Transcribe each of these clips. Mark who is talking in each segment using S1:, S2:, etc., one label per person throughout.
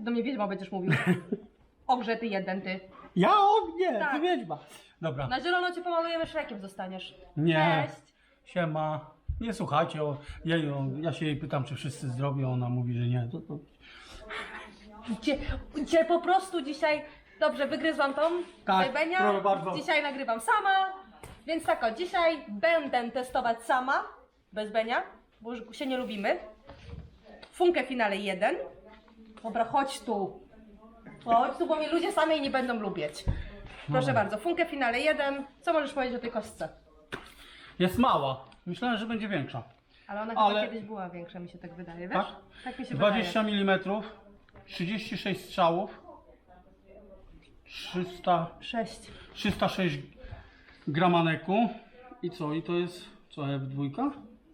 S1: do mnie wiedźma będziesz mówił. Ogrze ty jeden, ty.
S2: Ja nie,
S1: Tak.
S2: ty wiedźma. Dobra.
S1: Na zielono cię pomalujemy, Szrekiem zostaniesz.
S2: Nie.
S1: Cześć.
S2: Siema. Nie słuchajcie, ja się jej pytam, czy wszyscy zdrowi, a ona mówi, że nie. To...
S1: Cię po prostu dzisiaj... Dobrze, wygryzłam tą
S2: Tak,
S1: Benia.
S2: proszę bardzo.
S1: Dzisiaj nagrywam sama. Więc tak o, dzisiaj będę testować sama. Bez Benia, bo już się nie lubimy. Funkę finale 1. Dobra, chodź tu. Chodź tu, bo mnie ludzie samej nie będą lubić. Proszę bardzo, Funkę finale 1. Co możesz powiedzieć o tej kostce?
S2: Jest mała. Myślałem, że będzie większa.
S1: Ale ona
S2: Ale-
S1: chyba kiedyś była większa, mi się tak wydaje, wiesz?
S2: Tak?
S1: Tak mi się
S2: 20
S1: wydaje.
S2: mm, 36 strzałów,
S1: 6.
S2: 306 gramaneku. I co? I to jest co, F2?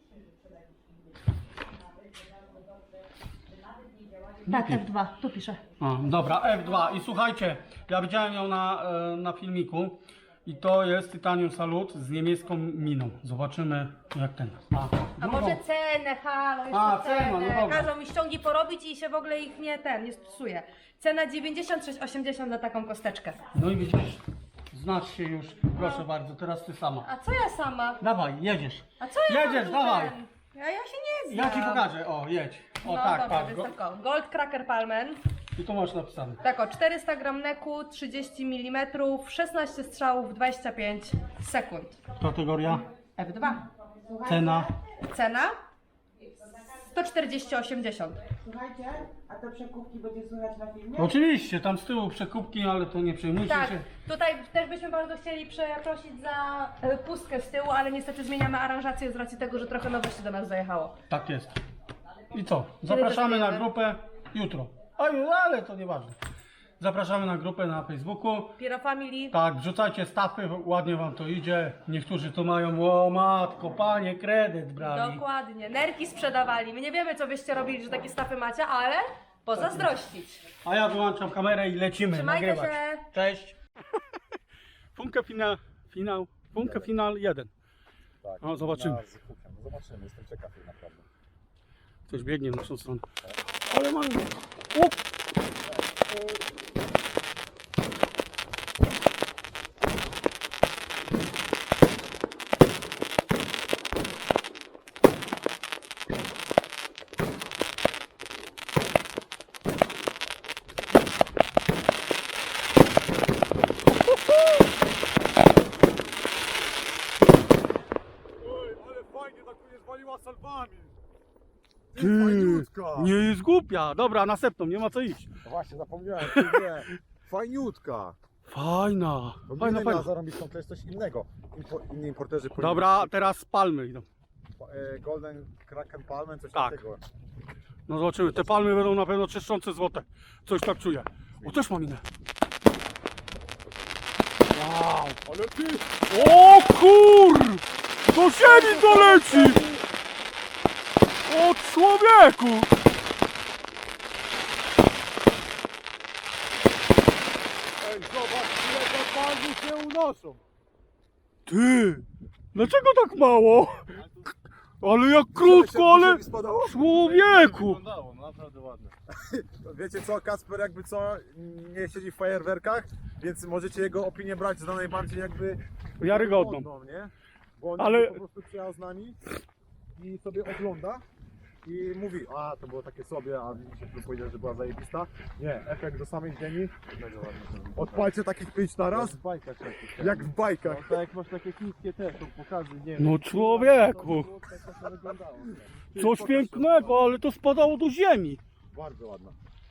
S1: Tak, F2, tu piszę.
S2: A, dobra, F2. I słuchajcie, ja widziałem ją na filmiku. I to jest Titanium Salut z niemiecką miną. Zobaczymy jak ten.
S1: A
S2: drugą.
S1: może cenę, halo, jeszcze
S2: A,
S1: cenę.
S2: cena, no dobra.
S1: Każą mi ściągi porobić i się w ogóle ich nie stosuje. Cena 96,80 za taką kosteczkę.
S2: No i widzisz, znasz się już. Proszę bardzo, teraz ty sama.
S1: A co ja sama?
S2: Dawaj, jedziesz.
S1: A co ja
S2: Jedziesz,
S1: mam tu
S2: dawaj.
S1: ten? Ja się nie znam.
S2: Ja ci pokażę, o jedź. O
S1: No
S2: tak,
S1: dobra,
S2: patrz
S1: więc
S2: go.
S1: tak o. Gold Cracker Palmen.
S2: I tu masz napisane.
S1: Tak o, 400 gram neku, 30 mm, 16 strzałów, 25 sekund.
S2: Kategoria,
S1: F2.
S2: cena.
S1: Cena 140,80.
S3: Słuchajcie, a te przekupki będzie słychać na filmie?
S2: Oczywiście, tam z tyłu przekupki, ale to nie przejmujcie
S1: Tak,
S2: się.
S1: tutaj też byśmy bardzo chcieli przeprosić za pustkę z tyłu, ale niestety zmieniamy aranżację z racji tego, że trochę nowości do nas zajechało.
S2: Tak jest. I co? Zapraszamy na
S1: testujemy?
S2: grupę jutro. Ale to nieważne. Zapraszamy na grupę na Facebooku.
S1: Piero Family.
S2: Tak, wrzucajcie stafy, ładnie wam to idzie. Niektórzy tu mają, o matko, panie, kredyt brali.
S1: Dokładnie, nerki sprzedawali. My nie wiemy, co byście robili, że takie stafy macie, ale pozazdrościć.
S2: A ja wyłączam kamerę i lecimy
S1: Trzymajcie
S2: nagrywać.
S1: się.
S2: Cześć. Funkę final 1.
S4: Tak,
S2: O, zobaczymy.
S4: No zobaczymy, jestem ciekaw naprawdę.
S2: Ktoś biegnie w naszą stronę. Ale mamy. O!
S4: Oj, ale fajnie tak mnie zwaliła salwami.
S2: Ty, nie jest głupia. Dobra, następną, nie ma co iść.
S4: No właśnie, zapomniałem, ty nie. Fajniutka.
S2: Fajna.
S4: To
S2: Fajna,
S4: nie
S2: fajna.
S4: miała zarąbistą, to jest coś innego. Inni importerzy
S2: Dobra, teraz palmy idą.
S4: Golden Kraken Palmen, coś
S2: Tak.
S4: takiego.
S2: No zobaczymy, te palmy będą na pewno czyszczące złote. Coś tak czuję. O, też mam inne. Wow.
S4: Ale ty!
S2: O kur! Do ziemi to leci! O człowieku!
S4: Ej, zobacz, ile te palmy się unoszą.
S2: Ty! Dlaczego tak mało? Ale jak krótko, ale...
S4: Spadało?
S2: Człowieku!
S4: Wyglądało, no naprawdę ładne. Wiecie co, Kasper jakby co, nie siedzi w fajerwerkach, więc możecie jego opinię brać za najbardziej jakby
S2: Wiarygodną.
S4: godną, nie? Bo on
S2: Ale-
S4: po prostu przyjechał z nami i sobie ogląda i mówi, a to było takie sobie, a widzicie, że powiedział, że była zajebista. Nie, efekt do samej ziemi. Odpalcie takich 5 na raz,
S5: W bajkach takich.
S4: jak w bajkach.
S5: No, tak jak masz takie chińskie te, to pokazy, nie
S2: No
S5: wiem.
S2: człowieku!
S5: Tak to wyglądało.
S2: Coś pięknego, ale to spadało do ziemi.
S4: Bardzo ładna.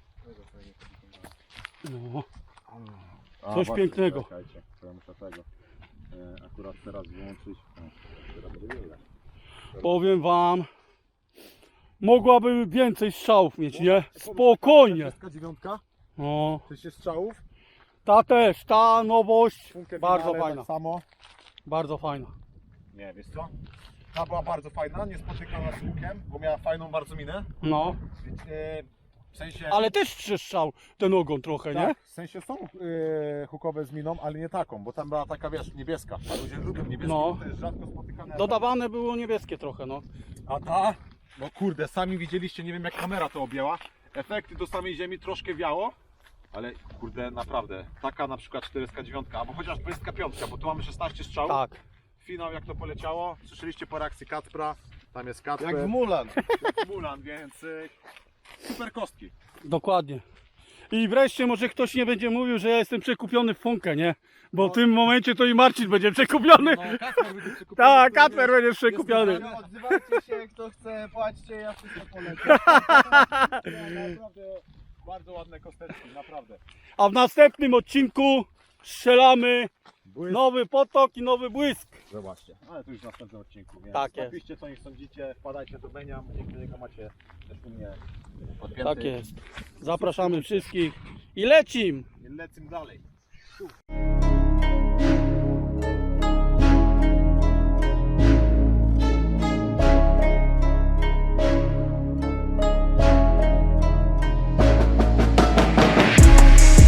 S2: No.
S4: A,
S2: Coś
S4: właśnie,
S2: pięknego.
S4: Czekajcie, to ja muszę tego. Akurat teraz wyłączyć. O, teraz będzie widać.
S2: Powiem wam, mogłaby więcej strzałów mieć, nie? Spokojnie.
S4: 49,
S2: No,
S4: 6 strzałów.
S2: ta też, ta nowość,
S4: Funkę
S2: bardzo
S4: finale
S2: fajna,
S4: Tak samo.
S2: bardzo fajna.
S4: Nie, wiesz co? Ta była bardzo fajna, niespotykana z łukiem, bo miała fajną bardzo minę.
S2: No,
S4: W sensie.
S2: ale też trzeszczał ten ogon trochę, nie?
S4: Tak, w sensie są hukowe z miną, ale nie taką, bo tam była taka, wiesz, niebieska. A ludzie lubią niebieskie,
S2: No.
S4: bo to jest rzadko spotykane.
S2: Dodawane było niebieskie trochę, no.
S4: A ta? No kurde, sami widzieliście, nie wiem jak kamera to objęła. Efekty do samej ziemi troszkę wiało, ale kurde, naprawdę, taka na przykład 49, albo chociaż 25, bo tu mamy 16 strzałów.
S2: Tak.
S4: Finał jak to poleciało, słyszeliście po reakcji Kacpra, tam jest Kacper.
S5: Jak w Mulan.
S4: Jak w Mulan, więc super kostki.
S2: Dokładnie. I wreszcie może ktoś nie będzie mówił, że ja jestem przekupiony w funkę, nie? Bo w tym momencie to i Marcin będzie przekupiony.
S5: No, Kacper będzie przekupiony.
S2: Tak, Kacper będzie przekupiony.
S5: Odzywajcie się, kto chce, płaćcie, ja wszystko polecę.
S4: Naprawdę bardzo ładne kosteczki, naprawdę.
S2: A w następnym odcinku strzelamy
S4: Błysk.
S2: nowy potok i nowy błysk.
S4: Zobaczcie, ale to już w następnym odcinku, więc
S2: Tak jest.
S4: napiszcie co nie sądzicie, wpadajcie do Benia, dzięki niego macie też u mnie podpięty.
S2: Tak jest. Zapraszamy wszystkich i lecim!
S4: Lecimy dalej.